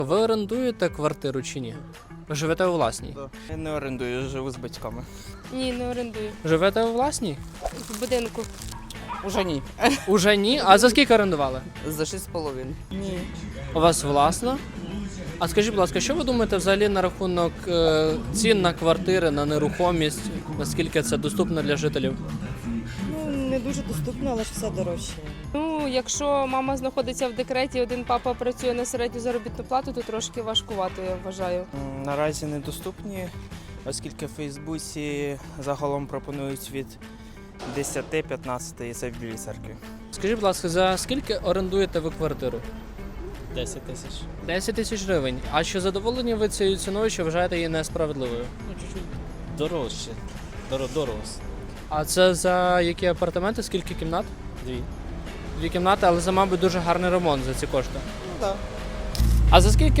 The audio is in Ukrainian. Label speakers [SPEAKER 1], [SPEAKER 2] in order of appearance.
[SPEAKER 1] Ви орендуєте квартиру чи ні? Ви живете у власній?
[SPEAKER 2] Я не орендую, живу з батьками.
[SPEAKER 3] Ні, не орендую.
[SPEAKER 1] Живете у власній?
[SPEAKER 3] В будинку.
[SPEAKER 2] Уже ні.
[SPEAKER 1] Уже ні. А за скільки орендували?
[SPEAKER 2] За 6,5. Ні.
[SPEAKER 1] У вас власна? А скажіть, будь ласка, що ви думаєте взагалі на рахунок цін на квартири, на нерухомість? Наскільки це доступно для жителів?
[SPEAKER 4] Ну, не дуже доступно, але ж все дорожче.
[SPEAKER 3] Ну, якщо мама знаходиться в декреті, один папа працює на середню заробітну плату, то трошки важкувато, я вважаю.
[SPEAKER 2] Наразі недоступні, оскільки в Фейсбуці загалом пропонують від 10-15 і це в Білій церкві.
[SPEAKER 1] Скажіть, будь ласка, за скільки орендуєте ви квартиру?
[SPEAKER 5] 10 тисяч.
[SPEAKER 1] 10 тисяч гривень. А чи задоволені ви цією ціною, чи вважаєте її несправедливою?
[SPEAKER 5] Ну, чуть-чуть дорожче. Дорого.
[SPEAKER 1] А це за які апартаменти? Скільки кімнат?
[SPEAKER 5] 2.
[SPEAKER 1] 2 кімнати, але за, мабуть, дуже гарний ремонт за ці кошти.
[SPEAKER 2] Ну так.
[SPEAKER 1] А за скільки